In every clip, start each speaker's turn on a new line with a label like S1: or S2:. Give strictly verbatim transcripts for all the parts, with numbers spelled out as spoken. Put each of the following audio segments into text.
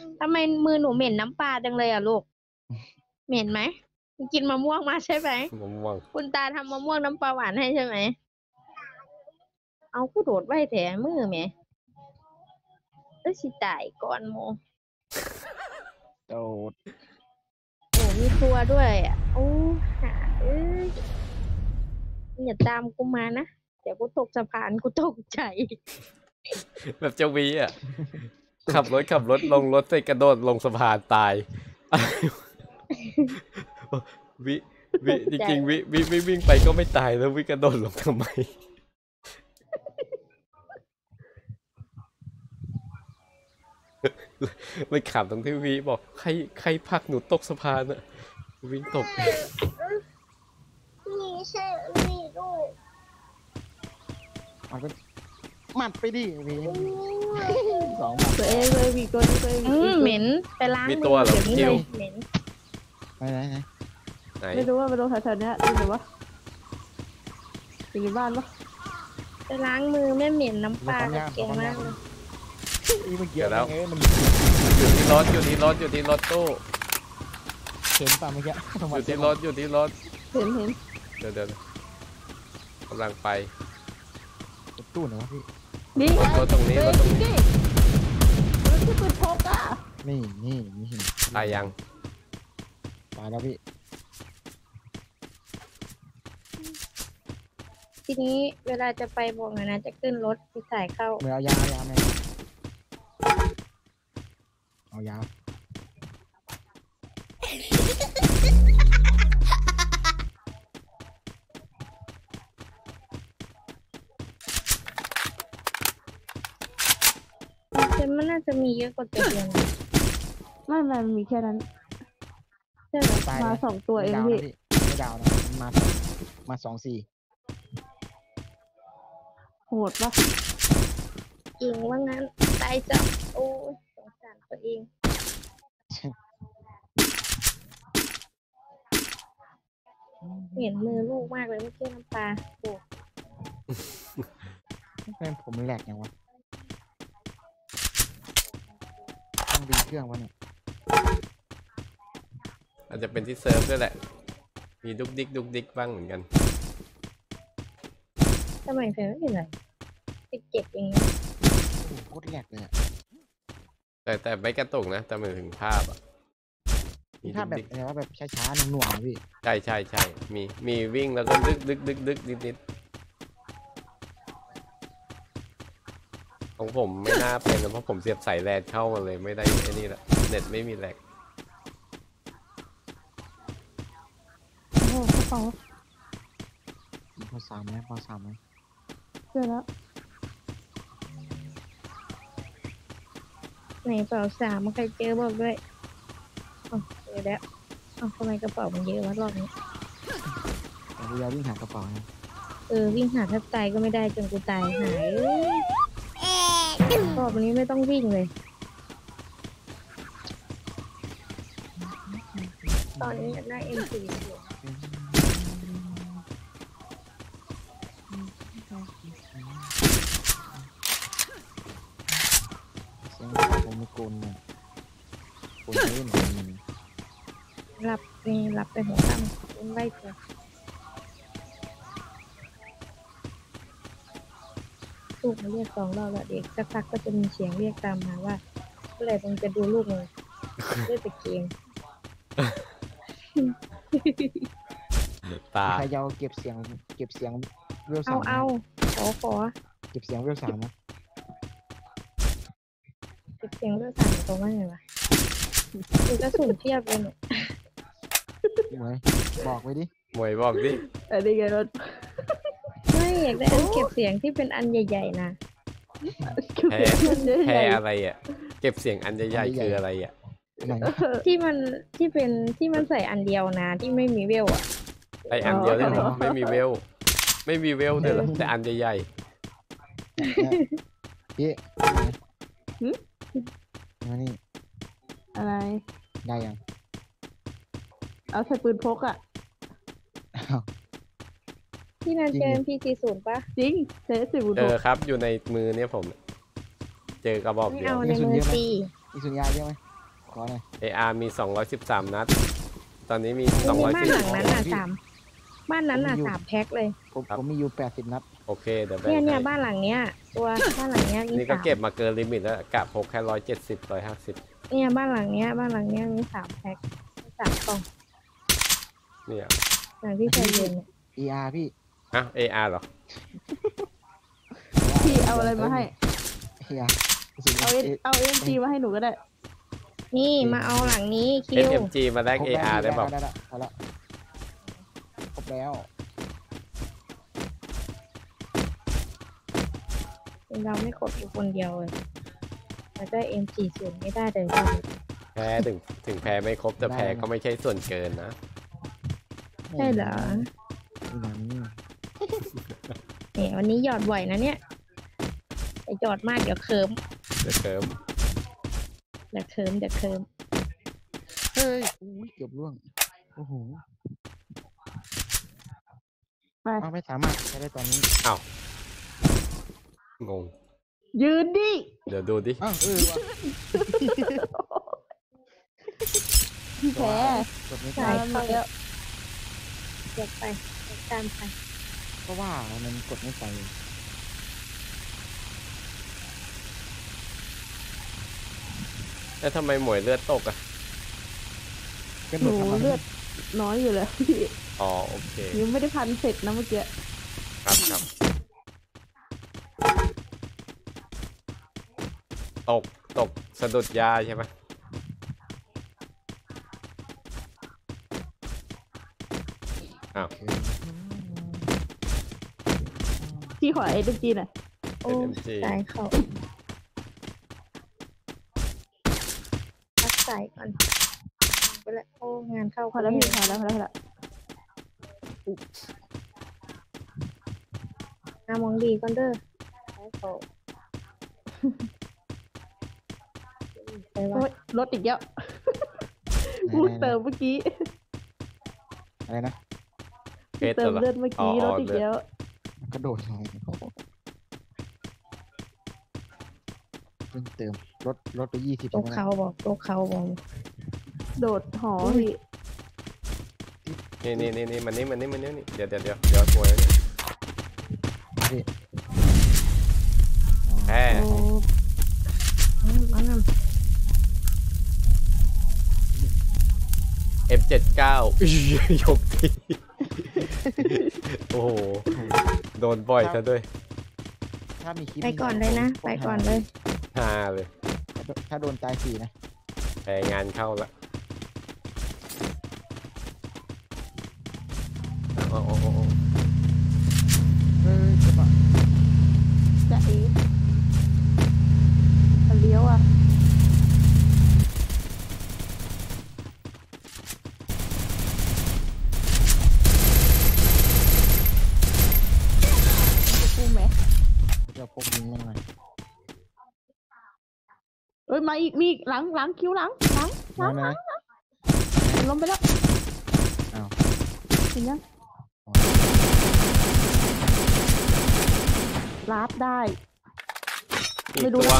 S1: ทำไมมือหนูเหม็นน้ำปลาจังเลยอ่ะลูกเหม็นไหมกินมะม่วงมาใช่ไหม
S2: มะม่วง
S1: คุณตาทำมะม่วงน้ำปลาหวานให้ใช่ไหมเอากูโดดไว้แถมือแม่เอ้ยสิตายก่อนโม
S3: โดด
S1: โอ้มีตัวด้วยอ่ะโอ้หาเอ้ยอย่าตามกูมานะเดี๋ยวกูตกสะพานกูตกใจ
S2: แบบเจ้าวีอ่ะขับรถขับรถลงรถไปกระโดดลงสะพานตายวิวิจริงๆวิวิวิวิ่งไปก็ไม่ตายแล้ววิกระโดดลงทำไมมันขำตรงที่วิบอกใครใครพักหนูตกสะพานอะวิ่งตก
S1: นี่ใช่นี่ด้วย
S3: มันก็หมัดไปดิวีสองหมัด
S4: ตัวเองเลยวีตัวนี้ตัวเอง
S1: เหม็นไปล้างมือเดี๋ยวนี้เลยเหม็น
S3: ไหนไหน
S2: ไหน
S4: ไม่รู้ว่าไปลงแถวๆนี้หรือว่าอยู่ในบ้านปะ
S1: ไปล้างมือไม่เหม็นน้ำปลาเก่งมากเลย
S3: เกี่ยวแล้ว
S2: อยู่ที่รถอยู่ที่รถอยู่ที่รถตู้
S3: เห็นป่ะเมื่อกี้
S2: อยู่ที่รถอยู่ที่รถ
S4: เห็นเห็น
S2: เดี๋ยวเดี๋ยวกำลังไป
S3: ตู้ไหนวะพี่
S4: นี่
S2: รถตรงนี้รถตรงนี้
S4: รถที่ปืนพกอ่ะ
S3: นี่นี่นี่
S2: ตายยัง
S3: ตายแล้วพี่
S1: ทีนี้เวลาจะไปบอกหน่อยนะจะขึ้นรถที่ถ่ายเข้า
S3: เมื่อเอายาเอายาไหมเอายา
S1: แต่มันน่าจะมีเยอะกว่าตัวเดียว
S4: ไม่ไม่มีแค่นั้น
S1: ใช่ไหม
S4: มาสองตัวเองพี่
S3: ไม่ดาวนะมามาสองสี่
S4: โหดปะ
S1: จริงว่างั้นตายจับโอ้ยสงสารตัวเองเห็นมือลูกมากเลยไม่ใช่น้ำปลาโอ้
S3: แม่ผมแหลกยังวะต้องดีเครื่องวะเนี่ย
S2: อาจจะเป็นที่เซิร์ฟด้วยแหละมีดุกดิกดุกดิกบ้างเหมือนกัน
S1: ทำไมเฟรไม่เป็นไรติดเจ็บเอง
S3: โคตรแหลกเลย
S2: แต่แต่ไม่กระตุกนะแต่หมายถึงภาพอ่ะ
S3: มีภาพแบบอะไรว่าแบบช้าๆหน่วงๆพี่
S2: ใช่ใช่ใช่มีมีวิ่งแล้วก็ดึกดึกดึกดึกนิดนิดของผมไม่น่าเป็นเพราะผมเสียบสายแลนเข้ามาเลยไม่ได้ไอ้นี่แหละเน็ตไม่มีแลก
S4: โอ้โหกระเป๋า
S3: พอสามไหมพอสามไหม
S4: เจอแล้ว
S1: ไหนเป๋าสามมันใครเจอบอกด้วยอ๋อเจอแล้วอ๋อทำไมกระเป๋ามันเยอะวะรอบนี้
S3: เราอยากวิ่งหากระเป๋านะ
S1: เออวิ่งหาแทบตายก็ไม่ได้จนกูตายหายรอบนี้ไม่ต้องวิ่งเลยตอนนี้ได้เอ็มซีอยู่
S3: เสียงข้าวผมไม่โกนเนี่ยโกนเล่นมัน
S1: หลับนี่หลับไปหัวค่ำเป็นไล่เถอะลูกมาเรียกสองรอบแล้วเด็กสักพักก็จะมีเสียงเรียกตามมาว่าเมื่อไหร่มึงจะดูลูกเลยเล่นแต่เกม
S2: ตา
S3: ใครจะเก็บเสียงเก็บเสียงเวลสา
S1: มเอาเอาขอขอ
S3: เก็บเสียงเวลสามนะ
S1: เก็บเสียงเวลสามตรงว่าไงวะดูกระสุนเทียบเลยหนู
S3: มวยบอกไว้ดิ
S2: มวยบอกดิ
S4: อะไรกันรถ
S1: ไม่อยากได้อันเก็บเสียงที่เป็นอันใหญ่ๆนะ
S2: แพ้แพ้อะไรอ่ะเก็บเสียงอันใหญ่ๆคืออะไรอ่ะ
S1: ที่มันที่เป็นที่มันใส่อันเดียวนะที่ไม่มีเวลอ่ะ
S2: ไออันเดียวเลยเหรอไม่มีเวลไม่มีเวลเลยเหรอแต่อันใหญ่
S3: ๆพี่มานี่
S4: อะไร
S3: ได้ยัง
S4: เอาใส่ปืนพกอ่ะ
S1: ที่นั่นเจอ พี สี่สิบ ป่ะ
S4: จริงเจอสิบ
S2: เจอครับอยู่ในมือเนี่ยผมเจอกระบอกเดียว
S1: เอาในมือซี
S3: มีสุญญาเยอะไหมขอหน่อย
S2: เอ อาร์ มีสองร้อยสิบสามนัด ตอนนี้มีส
S1: ไม่
S2: อง
S1: มี
S2: ร้อย
S1: บ้าน
S2: สี่
S1: หลังนั้นอ่ะสามบ้านนั้นอ่ะสามแพ็คเลย
S3: ผมผมมีอยู่แปดสิบนัด
S2: โอเคเดี๋ยวแบ่ง
S1: เนี่ยเนี่ย
S2: ให้
S1: บ้านหลังเนี้ย ตัวบ้านหลังเนี้ยมี
S2: นี่ก็
S1: สาม
S2: เก็บมาเกินลิมิตแล้วกะพกแค่ร้อยเจ็ดสิบร้อยห้าสิบ
S1: เนี่ยบ้านหลังเนี้ย บ้านหลังเนี้ยมีสามแพ็คสามกล่อง
S2: เนี่ย
S1: หลังที่ใจเย็นเนี่ย
S3: เอ อาร์ พี่
S2: อ่ะ เอ อาร์ เหรอ
S4: พี่เอาอะไรมาให้
S3: เอ อาร์
S4: เอาเอเอาเอ็มจีมาให้หนูก็ได้
S1: นี่มาเอาหลังนี้คิ
S2: เอส
S1: ว
S2: เอ็ม จี มาแลก เอ อาร์ ได้เปล่า
S3: ได้พอละครบแล้ว
S1: เราไม่กดอยู่คนเดียวเลยแล้วได้เอ็มจีศูนย์ไม่ได้เลย
S2: แพ้ถึงถึงแพ้ไม่ครบแต่แพ้ก็ไม่ใช่ส่วนเกินนะ
S1: ใช่เหรอ
S3: นี่นะ
S1: เนี่ยวันนี้หยอดบ่อยนะเนี่ยแต่หยอดมากเดี๋ยวเคิม
S2: เดี๋ยวเคิม
S1: เดี๋ยวเคิมเดี๋ยวเคิม
S3: เฮ้ยอุ้ยเกือบร่วงโอ้โห
S4: ไป
S3: เอาไม่สามารถใช้ได้ตอนนี้
S2: อ้าว งง
S4: ยืนดิ
S2: เดี๋ยวดูดิ
S3: อ้าวเออว่ะ
S4: พี่แพ้
S3: กดไม่
S1: ใช่
S3: ได้
S4: มาแล้ว
S1: เดี๋ยวไปเดี๋ยวตามไป
S3: เพราะว่ามันกดไม่ไป
S2: แล้วทำไมหมวยเลือดตกอ่ะ
S3: กระ
S4: ห
S3: โด
S4: นู
S3: ดทำไม
S4: เลือดน้อยอยู่แล้วพี่
S2: อ๋อ โอเค
S4: ยังไม่ได้พันเสร็จนะเมื่อกี้
S2: ครับครับ ตก ตก สะดุดยาใช่ไหม อ้าว
S4: พี่ขอเอ็มจีหน่อย
S1: โอ้
S2: เอ็ม จี
S1: สายเขาพักสายก่อนไปละโอ้งานเข้า
S4: พอแล้วพี่พอแล้วพอแล้วพอแล้ว
S1: หามองดีก่อนเด้อสายเขาไปว่า
S4: โอ๊ยรถอีกแล้วพูดเติมเมื่อกี้
S3: อะไรนะ
S2: เพชร
S4: เติม
S2: เหรอ
S4: เลือดเมื่อกี้
S2: อ๋อ
S4: รถอีก
S2: เลือด
S4: แล้ว
S3: กระโดดลงเพิ่งเติมรถรถไปยี่สิบ
S1: โตเขาบอกโตเขาบอก
S4: โดดหอพี่
S2: นี่นี่นี่นี่มันนี่มันนี่มันนี่นี่เดี๋ยวเดี๋ยวเดี๋ยวเดี๋ยวตัวแล้วเนี่ย แพ้
S4: โอ้
S1: อืมเอานำ
S2: เอฟ เจ็ดสิบเก้า ยกทีโอ้โห โดนบ่อยซะด้วย
S3: ถ้ามีคลิป
S1: ไปก่อนเลยนะ ไปก่อนเลย
S2: ฮาเลย
S3: ถ้าโดนตายสี่นะ
S2: แพ้งานเข้าละโอ้โอ้โอ้โอ้
S3: เฮ้ยจะมา
S4: จะเอ๋มันเลี้ยวอ่ะกูแหม
S3: จะพกยิงมันหน่อย
S4: เอ้ยมาอีกมีอีกหลังหลังคิ้วหลังหลังหลัง
S3: ไหน
S4: ล้มไปแล้ว
S3: อ้าว
S4: เห็นยังลาบได้
S2: อีก
S4: ไม่รู้
S2: ตัว
S4: นะ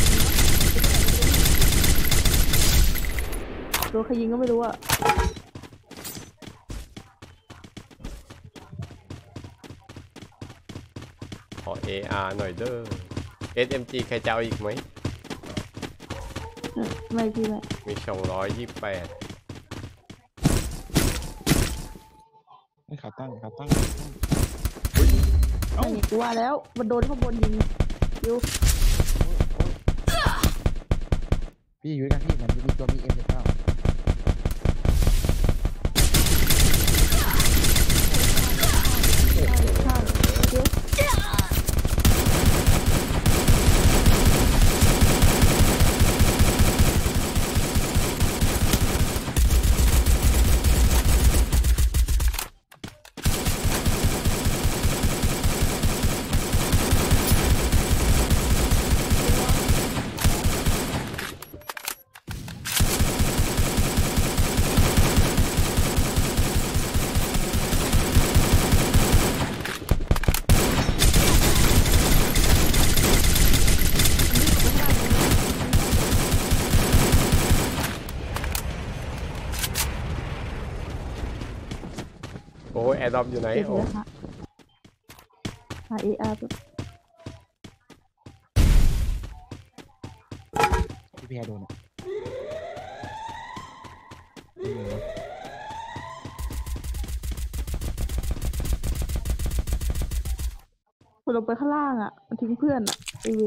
S4: ตัวใครยิงก็ไม่รู้อ่ะ
S2: ขอ เอ อาร์ หน่อยเด้อ เอส เอ็ม จี ใครจะเอาอีกไหม
S4: เออไม่พี่ไม่
S2: มีสองร้อยยี่สิบแปด
S3: ไม่ขาตั้งขาตั้ง
S4: ไม่กูว่าแล้วมันโดนข้างบนยิงอยู่
S3: พี่อยู่ด้วยกันพี่มันจะมีตัวมีเอ็มเจ็ดเก้า
S2: อ้แอร์ดรอปอยู่ไหน
S4: เก็บ
S2: โอ้
S4: เลยค่ะหาเออาร์
S3: พี่แพรโดนอ่ะไม่รู้นะ
S4: ลงไปข้างล่างอ่ะมันทิ้งเพื่อนอ่ะไอเวน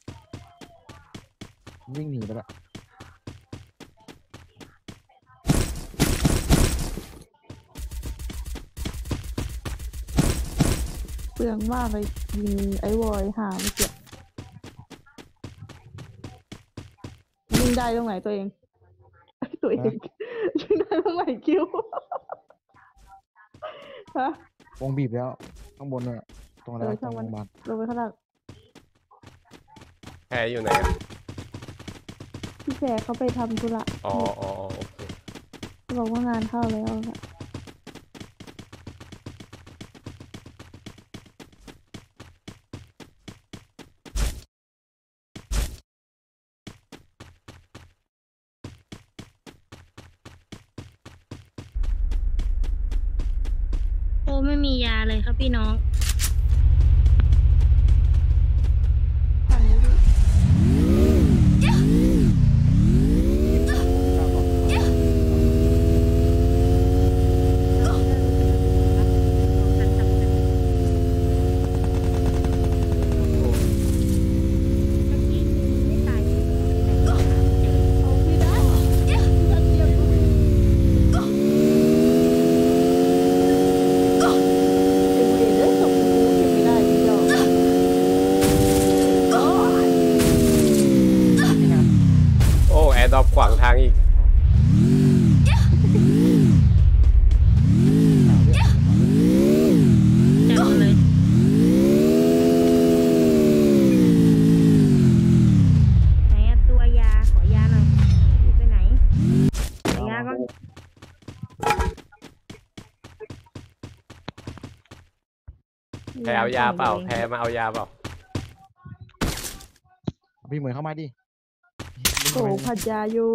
S3: วิ่งหนีไปละ
S4: เปลืองมากเลยยิงไอวอยหาไม่เกี่ยวยิงได้ตรงไหนตัวเอง ตัวเองยิงได้ตรงไหนคิว ฮะ
S3: วงบีบแล้วข้างบนเนี่ยตรงอะไร
S4: เออ
S3: ตร
S4: ช่าง
S3: ง
S4: มัน
S3: โรงพยาบาล
S4: ลงไปข้างล่าง
S2: แพ้อยู่ไหนอะ
S4: พี่แพรเขาไปทำธุระ
S2: อ๋ออ๋ออ๋อโอเค
S4: เขาบอกว่างานเข้าแล้วอะ
S1: โอ้ไม่มียาเลยครับพี่น้อง
S4: ทางนี้ดิ เอาพี่ได้ถ้าเทียบดูเก็บเวรเด้อส่งกูเก็บไม่ได้พี่เจ้าโอ้ย
S2: โอ้แอร์ดรอปขวางทางอีก
S1: จังเลยไหนอะตัวยาขอยาหน่อยอยู่ไปไหนขอยาก่อน
S2: แพ้เอายาเปล่าแพ้มาเอายาเปล่า
S3: พี่เหมือนเข้ามาดิวิ่ง
S4: โอ้
S3: เข้ามาดิ
S4: ผัดยาอยู่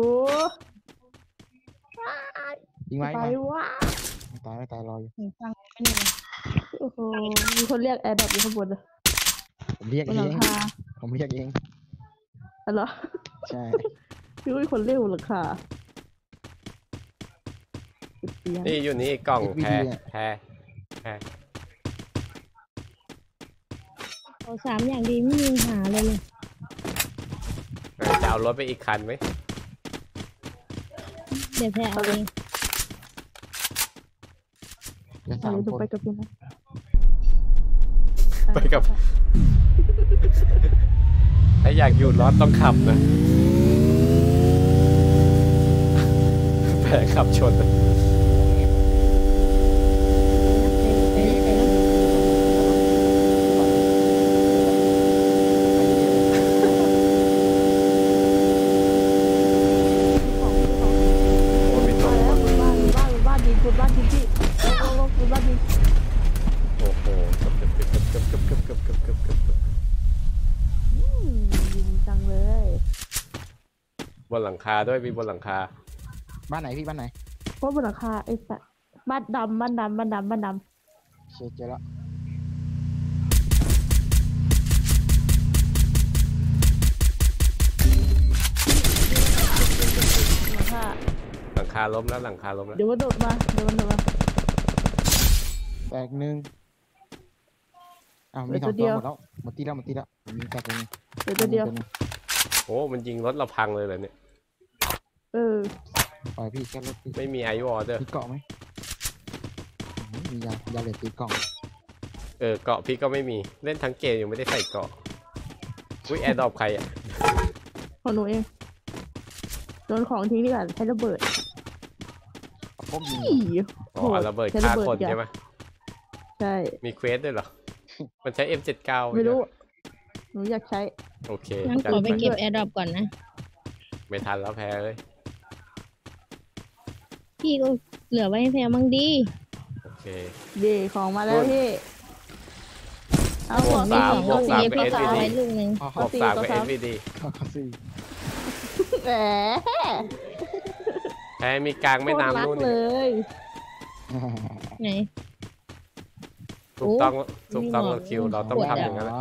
S3: ยิงไว้
S4: ไป
S3: ยิงไว้
S4: ว่า
S3: ไม่ตายไม่ตายรออยู่
S1: ฟังไม่เนี่ย
S4: โอ้โหมีคนเรียกแอร์ดรอปอยู่ข้างบนเลย
S3: ผมเรียก
S4: บน
S3: เอ
S4: หลัง
S3: ง
S4: คา
S3: ผมเรียกเอง
S4: อ๋อเหรอ
S3: ใช่
S4: พี่ว่ามีคนเรียกบนหลังคาติดเตียง
S2: นี่อยู่นี่กล่องแพ้แพ้แพ้
S1: โอ้สามอย่างดีไม่มีหาเลยเลย
S2: เออจะเอารถไปอีกคันไหม
S1: เดี๋ยวแพ้เอาเอง
S3: เหลือ
S4: อะ
S3: สา
S4: ไร
S3: ม
S4: ดู
S3: คน
S4: ไปกับพี่นะ
S2: ไปกับ ถ้าอยากอยู่รอดต้องขับนะ แพ้ขับชน
S1: ไปเลยไปเลย
S4: ของของ
S2: โอ้มีต
S4: มาก แล้วบนบ้านบนบ้านบนบ้านยิงบนบ้านยิงพี่โอ้โหบนบ้านยิง
S2: โอ้โหเกือบเกือบเกือบเกือบเกือบเกือบเกือบเกือบเกือบเกือบเกือบ
S4: อืมยิงจังเลย
S2: บนหลังคาด้วยมีบนหลังคา
S3: บ้านไหนพี่บ้านไหน
S4: เพราะบนหลังคาไอ้สัตว์บ้านดำบ้านดำบ้านดำบ้านด
S3: เช็คเจอแล้ว
S4: ำหลังคา
S2: หลังคาล้มแล้วหลังคาล้มแล้ว
S4: เดี๋ยวมันโดดมาเดี๋ยวมันโดดมา
S3: แตกหนึ่งอ้าวมีสองตัวหมดแล้วหมดตีแล้วหมดตีแล้วผมยิงแตกตัวหนึง
S4: เดี๋ยวตัวเดียว
S3: หนึ่ง
S2: โอ้มันยิงรถเราพังเลยเหรอเนี่ย
S4: เออ
S3: ปล่อยพี่แค่รถพี่
S2: ไม่มีไอวอลเด้อ
S3: มีเกาะไหมอืมมียายาเหลือตีกล่อง
S2: เออเกาะพี่ก็ไม่มีเล่นทั้งเกมยังไม่ได้ใส่เกาะอุ้ยแอร์ดรอปใครอ่ะ
S4: ของหนูเองโดนของทิ้งดีกว่าใช้ระเบิด
S3: พวกยิง
S4: อี๋
S2: อ๋อเอาระเบิดฆ่าคนใช่ไหม
S4: ใช่
S2: มีเควสด้วยเหรอ มันใช้ เอ็ม เจ็ดสิบเก้า
S4: ไม่รู้ หนูอยากใช้
S2: โอเค
S1: งั้น
S2: จั
S1: ข
S2: ด
S1: อไป
S2: ไป
S1: เก็บแอร์ดรอปก่อนนะ
S2: ไม่ทันแล้วแพ้เลย
S1: พี่ก็เหลือไว้ให้แพ้มั่งดี
S2: โอเค
S4: เย่ของมาแล้วพี่ เอา
S2: บ
S4: ข
S2: ว
S4: อก ง
S2: สาม
S4: นี่
S2: บวกสาม
S1: เอฟ
S2: กับ
S1: ก็
S2: เอส
S1: เอา
S2: วีดี
S1: ไว้ลูกหนึ่ง
S3: ข้อ
S2: บ
S3: ข้อ
S2: วกสามกับ
S4: ข้
S2: เอ
S4: อ
S2: ส
S4: สี่
S2: วีดี
S3: ข้อข้อสี่
S4: แหม
S2: แพ้มีกลางไม่
S4: โคตรรั
S2: น้ำ
S4: ก
S2: นู่น
S4: เล
S2: นี่
S4: ย
S1: ไหน
S2: ถูกต้องถูกต้องแล้วคิวเราต้องทำอย่างนั้นแหละ
S3: อ๋อ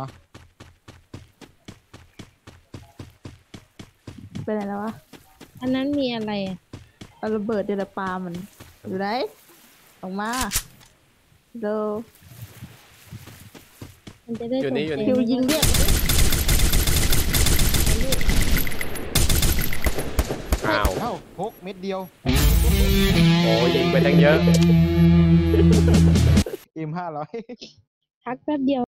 S4: ไปไหนแล้ววะ
S1: อันนั้นมีอะไรอ่ะ
S4: เอาระเบิดเดลปามันอยู่ไหนออกมาเร็ว
S1: มันจะได้
S2: อยู่นี่อยู่นี่
S4: คิวยิงเรียก
S2: อ้าว
S3: เอ้าพกเม็ดเดียว
S2: โอ้ยิงไปตั้งเยอะ
S3: เอ็มห้าร้อย
S1: พักแป๊บเดียว